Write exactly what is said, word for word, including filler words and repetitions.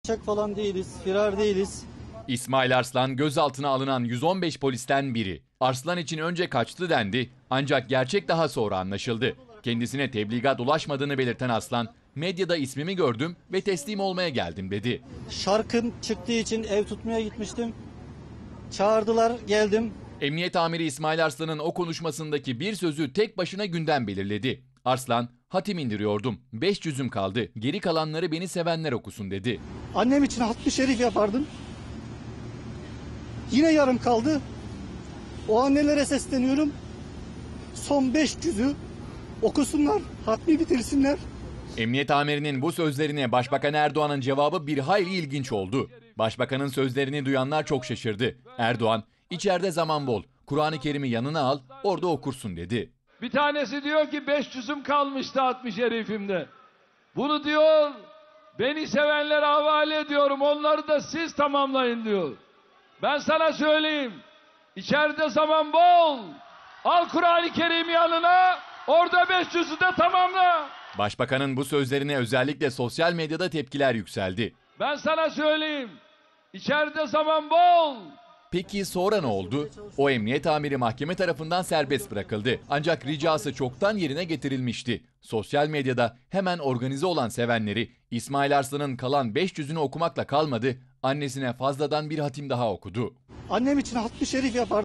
Kaçak falan değiliz, firar değiliz. İsmail Arslan gözaltına alınan yüz on beş polisten biri. Arslan için önce kaçtı dendi ancak gerçek daha sonra anlaşıldı. Kendisine tebligat ulaşmadığını belirten Arslan, medyada ismimi gördüm ve teslim olmaya geldim dedi. Şarkım çıktığı için ev tutmaya gitmiştim. Çağırdılar, geldim. Emniyet amiri İsmail Arslan'ın o konuşmasındaki bir sözü tek başına gündem belirledi. Arslan, hatim indiriyordum, beş yüzüm kaldı, geri kalanları beni sevenler okusun dedi. Annem için hatmi şerif yapardım. Yine yarım kaldı. O annelere sesleniyorum. Son beş yüzü okusunlar, hatmi bitirsinler. Emniyet amirinin bu sözlerine Başbakan Erdoğan'ın cevabı bir hayli ilginç oldu. Başbakanın sözlerini duyanlar çok şaşırdı. Erdoğan, içeride zaman bol, Kur'an-ı Kerim'i yanına al, orada okursun dedi. Bir tanesi diyor ki beş yüzüm kalmıştı hatmi şerifimde. Bunu diyor, beni sevenlere havale ediyorum, onları da siz tamamlayın diyor. Ben sana söyleyeyim, içeride zaman bol, al Kur'an-ı Kerim'i yanına, orada beş yüzü de tamamla. Başbakanın bu sözlerine özellikle sosyal medyada tepkiler yükseldi. Ben sana söyleyeyim, içeride zaman bol. Peki sonra ne oldu? O emniyet amiri mahkeme tarafından serbest bırakıldı. Ancak ricası çoktan yerine getirilmişti. Sosyal medyada hemen organize olan sevenleri İsmail Arslan'ın kalan beş yüzünü okumakla kalmadı, annesine fazladan bir hatim daha okudu. Annem için hatmi şerif yapardım.